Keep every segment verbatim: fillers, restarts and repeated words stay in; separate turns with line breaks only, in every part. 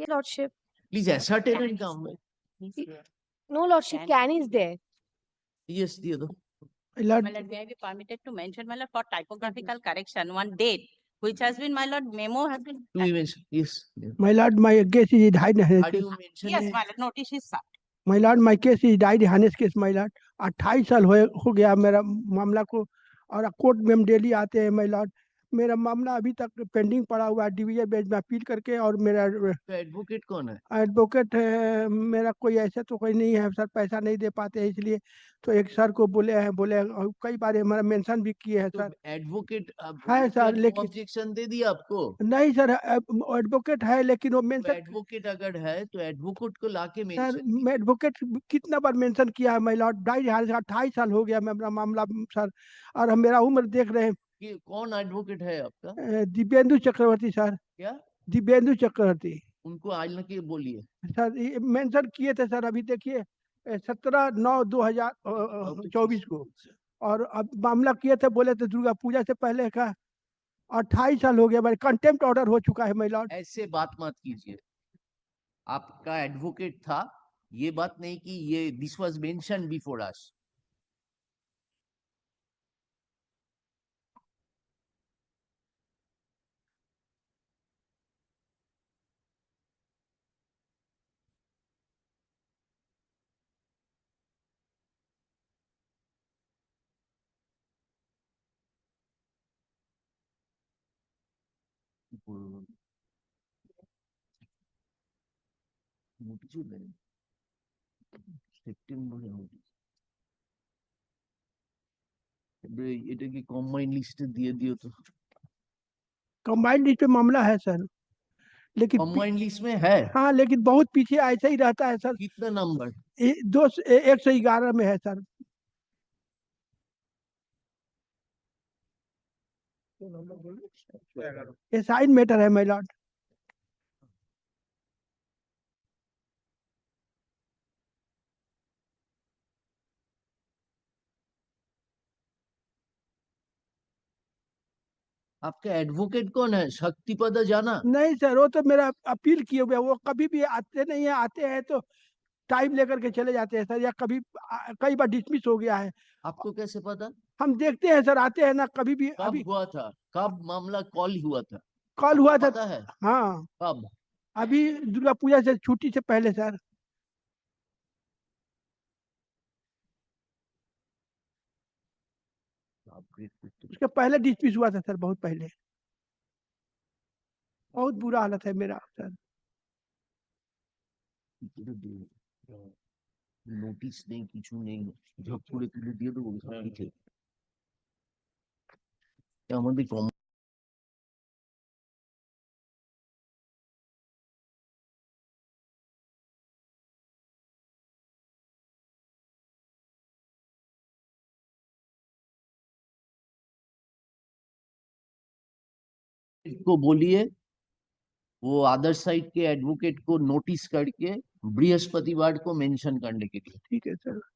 Yes, Lordship.
Please ascertain and come.
No, Lordship, can is there.
Yes, the other.
My lord,
My lord, may I be permitted to mention, my lord, for typographical correction, one date, which has been, my lord, memo has been.
Do you mention? Yes. Yeah.
my lord, my case is died.
Are you mentioning?
Yes, my lord, notice is served.
My lord, my case is died हानिस case my lord. अट्ठाईस साल हो हो गया मेरा मामला को और कोर्ट में हम डेली आते हैं my lord. मेरा मामला अभी तक पेंडिंग पड़ा हुआ है डिवीजन बेंच में अपील करके और मेरा
तो एडवोकेट कौन है?
एडवोकेट है मेरा कोई ऐसा तो कोई नहीं है सर, पैसा नहीं दे पाते हैं इसलिए तो एक सर को बोले हैं बोले और कई बार हमारा मेंशन भी किए हैं
तो
सर।
एडवोकेट
है सर, लेकिन
ऑब्जेक्शन दे दिया आपको?
नहीं सर, एडवोकेट है लेकिन वो
तो
मेंशन
एडवोकेट अगर है तो एडवोकेट को लाके
सर,
मेंशन
मैं एडवोकेट कितना बार मेंशन किया है माय लॉर्ड, ढाई अट्ठाईस साल हो गया मेरा मामला सर, और हम मेरा उम्र देख रहे हैं।
कि कौन एडवोकेट है आपका?
अ, दिव्येंदु चक्रवर्ती सर।
क्या?
दिव्येंदु चक्रवर्ती
उनको आइल के बोलिए।
सर, ये मेंशन किए थे सर, अभी देखिए सत्रह नौ दो हजार चौबीस को, और अब मामला किए थे बोले थे दुर्गा पूजा से पहले का। अट्ठाईस साल हो गया, मेरे कंटेम्प्ट ऑर्डर हो चुका है माय लॉर्ड।
ऐसे बात मत कीजिए, आपका एडवोकेट था, ये बात नहीं कि ये this was mention before us. সেপ্টেম্বরে এটা কি কম্বাইন্ড লিস্টে দিয়ে দিও তো।
कंबाइंड लिस्ट पे मामला है सर, लेकिन
कम्बाइंड लिस्ट में है।
हाँ, लेकिन बहुत पीछे ऐसा ही रहता है सर।
कितना नंबर?
ए- दो एक सौ ग्यारह में है सर। ये साइन मैटर है माय लॉर्ड।
आपका एडवोकेट कौन है? शक्तिपद जाना?
नहीं सर, वो तो मेरा अपील किए हुए, वो कभी भी आते नहीं है, आते हैं तो टाइम लेकर के चले जाते हैं सर, या कभी आ, कई बार डिसमिस हो गया है।
आपको कैसे पता?
हम देखते हैं सर, आते हैं ना कभी भी।
कब
अभी
हुआ था? कब मामला कॉल हुआ था?
कॉल हुआ था,
पता है?
हाँ
कब?
अभी दुर्गा पूजा से छुट्टी से पहले सर। उसके पहले डिसमिस हुआ था सर, बहुत पहले। बहुत बुरा हालत है मेरा सर।
নোটিশ নেই, কিছু নেই, ঝপ করে তুলে দিয়ে দেবো সবকিছু। আমাদের কম को बोलिए वो अदर साइड के एडवोकेट को नोटिस करके बृहस्पतिवार को मेंशन करने के लिए।
ठीक है सर,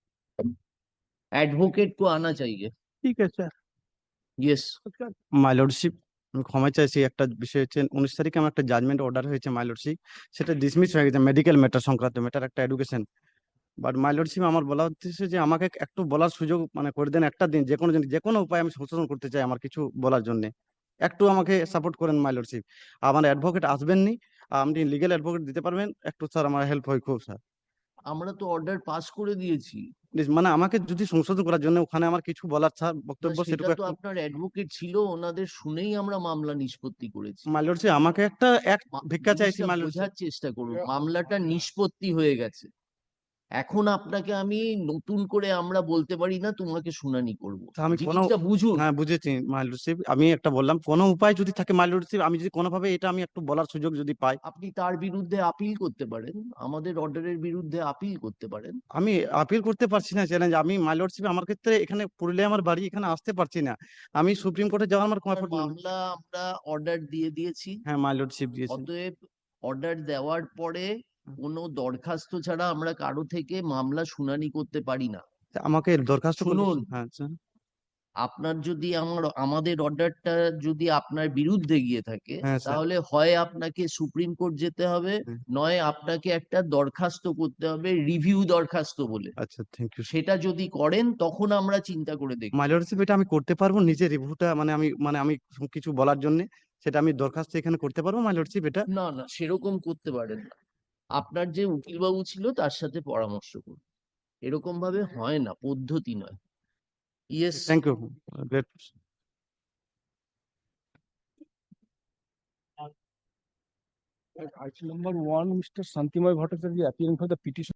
एडवोकेट को आना चाहिए।
ठीक है सर।
यस
মাই লর্ডশিপ, আমি ক্ষমা চাইছি। একটা বিষয় হচ্ছে উনিশ তারিখে আমার একটা জাজমেন্ট অর্ডার হয়েছে মাই লর্ডশিপ, সেটা ডিসমিস হয়ে গেছে মেডিকেল ম্যাটার সংক্রান্ত ম্যাটার, একটা এডুকেশন। বাট মাই লর্ডশিপ, আমার বলা হচ্ছে যে আমাকে একটু বলার সুযোগ মানে করে দেন, একটা দিন যে কোনো জিনিস যে কোনো উপায় আমি সংশোধন করতে চাই আমার কিছু বলার জন্য, একটু আমাকে সাপোর্ট করেন মাই লর্ডশিপ। আমার অ্যাডভোকেট আসবেননি, আপনি লিগ্যাল অ্যাডভোকেট দিতে পারবেন একটু স্যার, আমার হেল্প হয় খুব স্যার।
আমরা তো অর্ডার পাস করে দিয়েছি।
প্লিজ মানে আমাকে যদি সংশোধন করার জন্য ওখানে আমার কিছু বলার স্যার বক্তব্য,
সেটা
সেটুকু
তো
একটু
আপনার অ্যাডভোকেট ছিল, ওনাদের শুনেই আমরা মামলা নিষ্পত্তি করেছি।
মাই লর্ডশিপ আমাকে একটা এক
মা-
ভিক্ষা চাইছি
জিনিসটা
মাই লর্ডশিপ।
বোঝার চেষ্টা করুন, মামলাটা নিষ্পত্তি হয়ে গেছে। এখন আপনাকে আমি নতুন করে আমরা বলতে পারি না তোমাকে শুনানি করব,
তা আমি কোনো
জিনিসটা বুঝুন।
হ্যাঁ বুঝেছি মাই লর্ডশিপ, আমি একটা বললাম কোনো উপায় যদি থাকে মাই লর্ডশিপ, আমি যদি কোনোভাবে এটা আমি একটু বলার সুযোগ যদি পাই।
আপনি তার বিরুদ্ধে আপিল করতে পারেন, আমাদের অর্ডারের বিরুদ্ধে আপিল করতে পারেন।
আমি আপিল করতে পারছি না চ্যালেঞ্জ, আমি মাই লর্ডশিপ আমার ক্ষেত্রে এখানে পুরুলিয়া আমার বাড়ি, এখানে আসতে পারছি না, আমি সুপ্রিম কোর্টে যাওয়ার আমার
আপনার
কমফর্ট।
মামলা আমরা অর্ডার দিয়ে দিয়েছি,
হ্যাঁ মাই লর্ডশিপ দিয়েছেন।
অতএব অর্ডার দেওয়ার পরে কোনো দরখাস্ত ছাড়া আমরা কারো থেকে মামলা শুনানি করতে পারি না।
আমাকে দরখাস্ত করতে-
শুনুন।
হ্যাঁ স্যার।
আপনার যদি আমার আমাদের অর্ডারটা যদি আপনার বিরুদ্ধে গিয়ে থাকে,
হ্যাঁ স্যার।
তাহলে হয় আপনাকে সুপ্রিম কোর্ট যেতে হবে,
হুম।
নয় আপনাকে একটা দরখাস্ত করতে হবে, রিভিউ দরখাস্ত বলে।
আচ্ছা, থ্যাংক ইউ।
সেটা যদি করেন তখন আমরা চিন্তা করে দেখব।
মাই লর্ডশিপ, এটা আমি করতে পারবো নিজে রিভিউটা, মানে আমি মানে আমি কিছু বলার জন্য সেটা আমি দরখাস্ত এখানে করতে পারবো মাই লর্ডশিপ এটা?
না না, সেরকম করতে পারেন না। আপনার যে উকিলবাবু ছিল তার সাথে পরামর্শ করুন। এরকম ভাবে হয় না, পদ্ধতি নয়। Yes.
Thank you.
At item number one, Mister Santimoy Bhattacharya appearing for the petition